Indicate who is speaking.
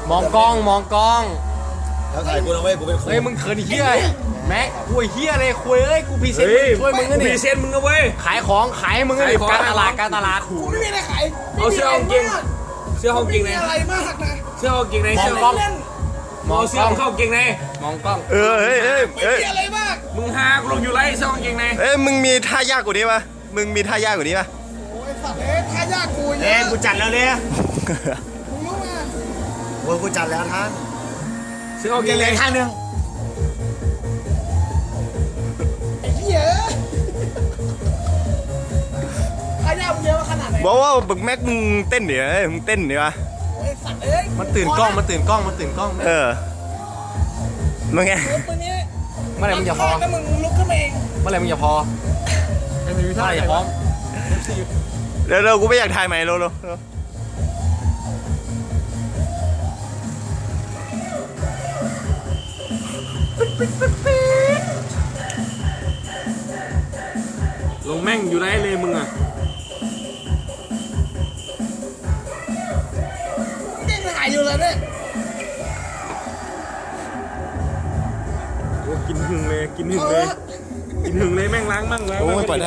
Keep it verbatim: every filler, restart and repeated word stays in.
Speaker 1: มองกล้องมองกล้อง
Speaker 2: แล้วถ่ายกูนะเว้ยกูเป็นคน
Speaker 1: เฮ้ยมึงเขินเฮียแม็กกูเฮียเลยคุยเอ้ยกูพรีเซนต์ช่วยมึงนะ
Speaker 3: พ
Speaker 1: นี่
Speaker 3: รีเซนต์มึงนะเว้ย
Speaker 1: ขายของขายมึงนะนี่การตลาดการตลาด
Speaker 4: กูไม่มีอะไรขาย
Speaker 3: เอาเสื้อของเกงเสื้อของเกงใน
Speaker 4: ไม่มีอะไรมากนะ
Speaker 3: เสื้อของเกงใน
Speaker 1: มอ
Speaker 3: เสื้
Speaker 1: ง
Speaker 3: อก
Speaker 1: ล้อง
Speaker 4: เล่น
Speaker 1: มอง
Speaker 3: เอา
Speaker 1: ก
Speaker 3: เสื้อ
Speaker 1: ล้อง
Speaker 3: ของเข้าเกงใน
Speaker 1: มองกล้อง
Speaker 2: เออเฮ้ยเฮ้ย
Speaker 4: ไม่
Speaker 2: เฮ้ย
Speaker 4: มีอะไรมาก
Speaker 3: มึงหากูลงอยู่ไรเสื้อของเกงใน
Speaker 2: เอ้ยมึงมีท่ายากกว่านี้ปะมึงมีท่ายากกว่านี้ปะ
Speaker 4: โอ้ยสัตว์เอ้ยท่ายากกูเย
Speaker 5: เอ้ย
Speaker 4: อะ
Speaker 5: กูจัดแล้วเนี่ย
Speaker 4: มึงรู้มา
Speaker 5: โอ้ยกูจัดแล้วท่าน
Speaker 3: เสื้อของเก
Speaker 5: มี
Speaker 3: ง
Speaker 5: เห
Speaker 3: ใน
Speaker 5: ลือท่านหนึ่ง
Speaker 4: ไอ้เหี้ยท่ายากมึงเยอะขนาดไหน
Speaker 2: บอกว่าบึกแม็กมึงเต้นเดี๋ยวมึงเต้นเดี๋ยวะ
Speaker 4: โอ้ยสัตว์เอ้ย
Speaker 1: มันตื่นกล้องมันตื่นกล้องมันตื่นกล้อง
Speaker 2: เออมึงไง
Speaker 4: ลุกตัวนี้
Speaker 1: เมื่อไหร่มึงจะพอ
Speaker 4: ถ้ามึงลุกขึ้นมาเอง
Speaker 1: เมื่อไหร่มึงจะพอเมื่อไหร่จะพร้อม
Speaker 2: เร็วๆกูไม่อยากถ่ายใหม่เร็วๆเร็ว
Speaker 3: ลงแม่งอยู่ไรเลยมึงอ่ะ
Speaker 4: ยังถ่ายอยู่เลยเนี่ย
Speaker 3: โอ้กินหึงเลยกินหึงเลย กินหึงเลยแม่งล้างมั่งล้าง
Speaker 2: โอ้
Speaker 3: มั่ง
Speaker 2: ยปล่อยได้